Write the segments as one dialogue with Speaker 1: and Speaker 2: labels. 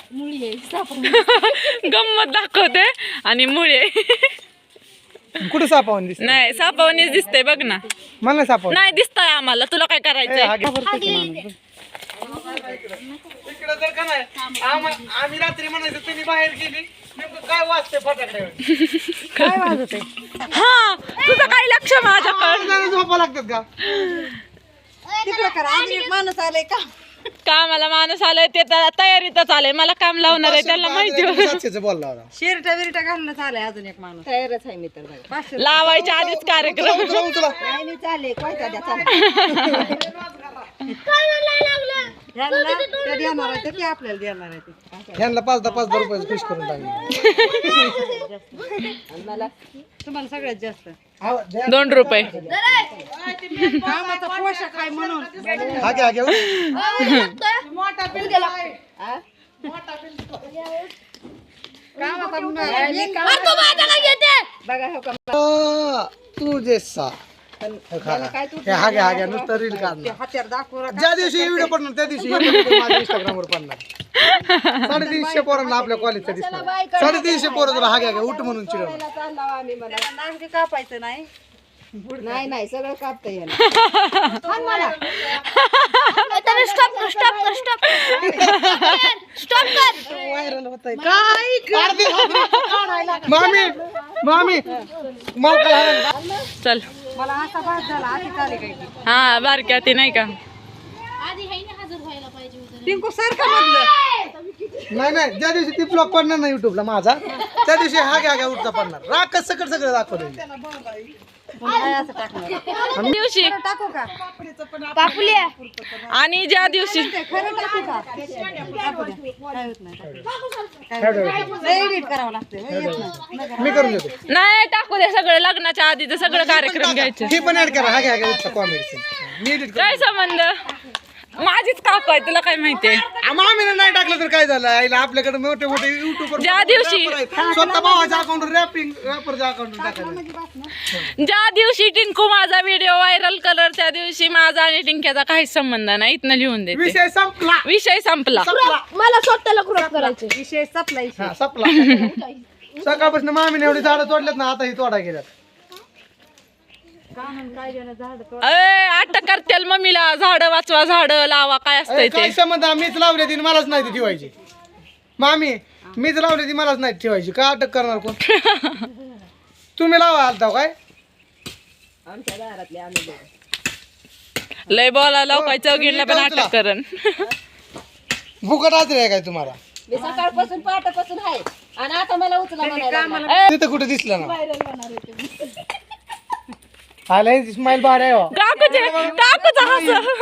Speaker 1: गंमत दाखवते आणि मुळे
Speaker 2: कुठे सापावून दिसत
Speaker 1: नाही सापावणीच दिसतंय बघ ना
Speaker 2: मला सापावून
Speaker 1: नाही दिसतंय आम्हाला तुला काय करायचंय
Speaker 2: इकडे जर का नाही आम्ही रात्री म्हणायचं तुम्ही बाहेर गेली नेमकं काय वाजते फटाकडे
Speaker 3: काय वाजते
Speaker 1: हा तुझं काय लक्ष माझ्याकडे
Speaker 2: झोपा लागतात का
Speaker 3: तिकडे करा अजून एक माणूस आलाय का
Speaker 1: कामाला माणूस आलाय ते तयारीतच आलंय मला काम लावणार आहे त्याला माहिती होतं.
Speaker 2: बोलला होता
Speaker 3: शिरटा विरटा घालणं आलाय अजून एक माणूस तयारच आहे मी तर
Speaker 1: लावायच्या आधीच कार्यक्रम
Speaker 3: नाही मी चालले कोयता द्या चालले देणार आहे ते आपल्याला देणार आहे ते
Speaker 2: ह्यांना 5-10 रुपये खुश करून टाकले
Speaker 3: तुम्हाला सगळ्यात जास्त
Speaker 1: 2 रुपये
Speaker 3: कामाचा पोशाख आहे म्हणून
Speaker 2: हागे
Speaker 3: बघा हो का
Speaker 2: तू जेसा हागे नुसतं रील काढणार
Speaker 3: हात्यार दाखवू
Speaker 2: ज्या दिवशी व्हिडिओ पडणार त्या दिवशी माझ्या इंस्टाग्रामवर पडणार 350 पोरांना आपल्या कॉलेजचा दिसणार 350 पोरं तुला हागे उठ म्हणून चिडवणार
Speaker 3: आम्ही मला नागरी कापायचं नाही नाही सगळं कापता येईल व्हायरल होतंय
Speaker 2: मामी मला
Speaker 1: चल
Speaker 3: मला असा भात झाला आधी चाले काही
Speaker 1: हा बारक्या ती नाही का
Speaker 3: टिंकू सारखं म्हणलं
Speaker 2: नाही ज्या दिवशी ती ब्लॉग पडणार ना युट्यूबला माझा त्या दिवशी हागे उठता पडणार राखच सगळं दाखवलं
Speaker 3: असं टाकणार
Speaker 1: दिवशी
Speaker 3: टाकू का
Speaker 1: आणि ज्या दिवशी
Speaker 3: खरं टाकू का टाकू द्या. काय होत नाही एडिट करावं लागतं येत नाही
Speaker 2: मी करून देतो
Speaker 1: नाही टाकू दे सगळं लग्नाच्या आधीच सगळं कार्यक्रम घ्यायचे
Speaker 2: ही पण ऍड करा हागे उठता कॉमेडी मी edit
Speaker 1: काय संबंध माझीच काकू आहे तुला काय माहितीये
Speaker 2: मामीने नाही टाकलं तर काय झालं आईला आपल्याकडे मोठे युट्यूबर
Speaker 1: ज्या दिवशी
Speaker 2: स्वतः भावाच्या अकाउंटवर रॅपरच्या अकाउंटवर टाकायचं
Speaker 1: ज्या दिवशी टिंकू माझा व्हिडिओ व्हायरल कलर त्या दिवशी माझा आणि टिंक्याचा काहीच संबंध नाही इथनं लिहून देते
Speaker 2: विषय संपला
Speaker 1: विषय संपला
Speaker 4: मला स्वतःला क्रॉप करायचे
Speaker 3: विषय संपला
Speaker 2: हा, संपला सकाळपासून मामीने एवढी झाडं तोडल्यात ना आता ही तोडा गेल्यात
Speaker 3: काय देणं झाड
Speaker 1: अटक करतेल मम्मीला झाड वाचवा झाड लावा काय असतंय
Speaker 2: काय
Speaker 1: ते
Speaker 2: संबंध मीच लावली ती मलाच नाही ती ठेवायची मामी मीच लावली ती मलाच नाही ठेवायची का अटक करणार कोण तुम्ही लावा आलता काय
Speaker 3: आमच्या दारातले आम्ही
Speaker 1: लय बोला लोकांच्या चौघीला पण अटक करण
Speaker 2: फुकट आजरी आहे काय तुम्हाला
Speaker 3: मी सकाळपासून पहाटापासून आहे आणि आता मला उचला म्हणायला
Speaker 2: तिथं कुठे दिसलं ना आला स्माइल बाहेर आहे हो.
Speaker 1: काकूचा हस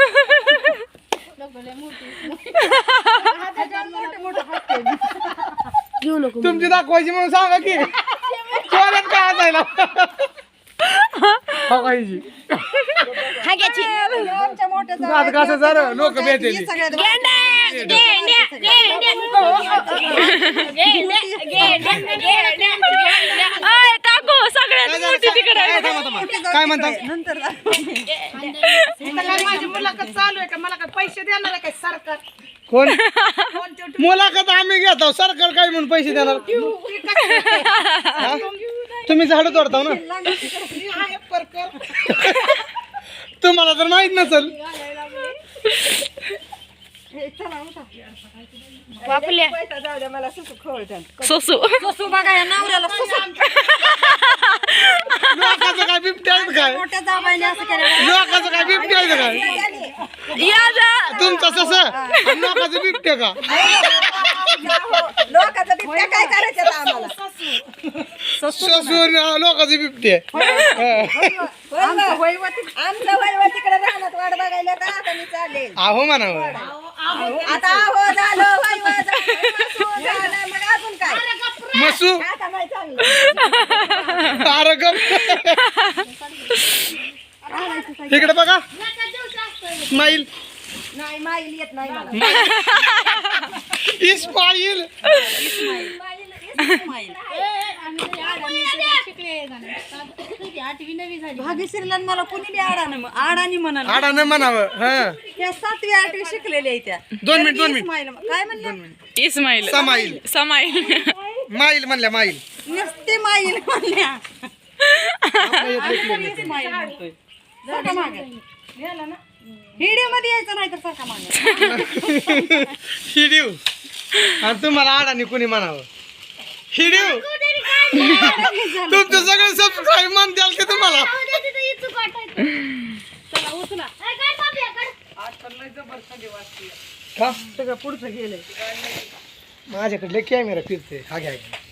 Speaker 2: तुमची दाखवायची म्हणून सांगा की कोणाला काय असायला बघायची
Speaker 3: आमच्या मोठ्या
Speaker 2: आता कसं झालं लोक भेटेल
Speaker 1: काकू सगळ्यात मोठी तिकडे
Speaker 2: काय म्हणतात
Speaker 3: नंतर
Speaker 4: माझी मुलाखत चालू आहे का मला काय पैसे देणार आहे काय सरकार
Speaker 2: कोण मुलाखत आम्ही घेतो सरकार काय म्हणून पैसे देणार हा? तुम्ही झाडं तोडता ना तुम्हाला तर माहित नसल
Speaker 3: जाऊ द्या मला सुसू खवळतात
Speaker 1: सोसू
Speaker 3: सुसू बघा या नवऱ्याला सुसू
Speaker 2: लोकांचं काय बिबट्याचं काय
Speaker 3: मोठ्या जाबाईने असं केलं
Speaker 2: लोकांचं काय बिबट्याचं काय तुमचं तसं आणि लोकांचं बिबट्या का
Speaker 3: लोकांचं बिबट्या काय करायचं आता आम्हाला
Speaker 2: ससून लोकांचं बिबट्या
Speaker 3: आमचं वैवतीकडे राहण्यात वाट बघायला का आता मी चालेल
Speaker 2: आहो म्हणावं
Speaker 3: आता हो झालं वैव झालं मग अजून काय
Speaker 2: मसू
Speaker 3: आता नाही चांगलं
Speaker 2: तारकम इकडे बघा स्माईल
Speaker 3: नाही माईल येत नाही मला
Speaker 2: इस्माईल
Speaker 3: भाग्यश्रीला मला कुणी बी आडानी म्हणाल
Speaker 2: आडानं म्हणावं हा
Speaker 3: त्या 7वी 8वी शिकलेल्या त्या
Speaker 2: 2 मिनिट
Speaker 3: काय म्हणलं
Speaker 1: इस्माईल
Speaker 2: समाईल
Speaker 1: समाईल
Speaker 2: माईल म्हणल्या माईल
Speaker 3: नुसते माईल म्हणल्या
Speaker 2: आपल्या इथलं इकडे
Speaker 3: माईल म्हणतोय सारखा मागे व्हिडिओ मध्ये यायचं नाही तर सारखा मागे
Speaker 2: हिडिओ आणि तुम्हाला आडाने कुणी म्हणावं हिडिओ तुमचं सगळं सबस्क्राईब मान द्याल की तुम्हाला का
Speaker 3: सगळं पुढचं गेलंय
Speaker 2: माझ्याकडले कॅमेरा फिरते हा घ्या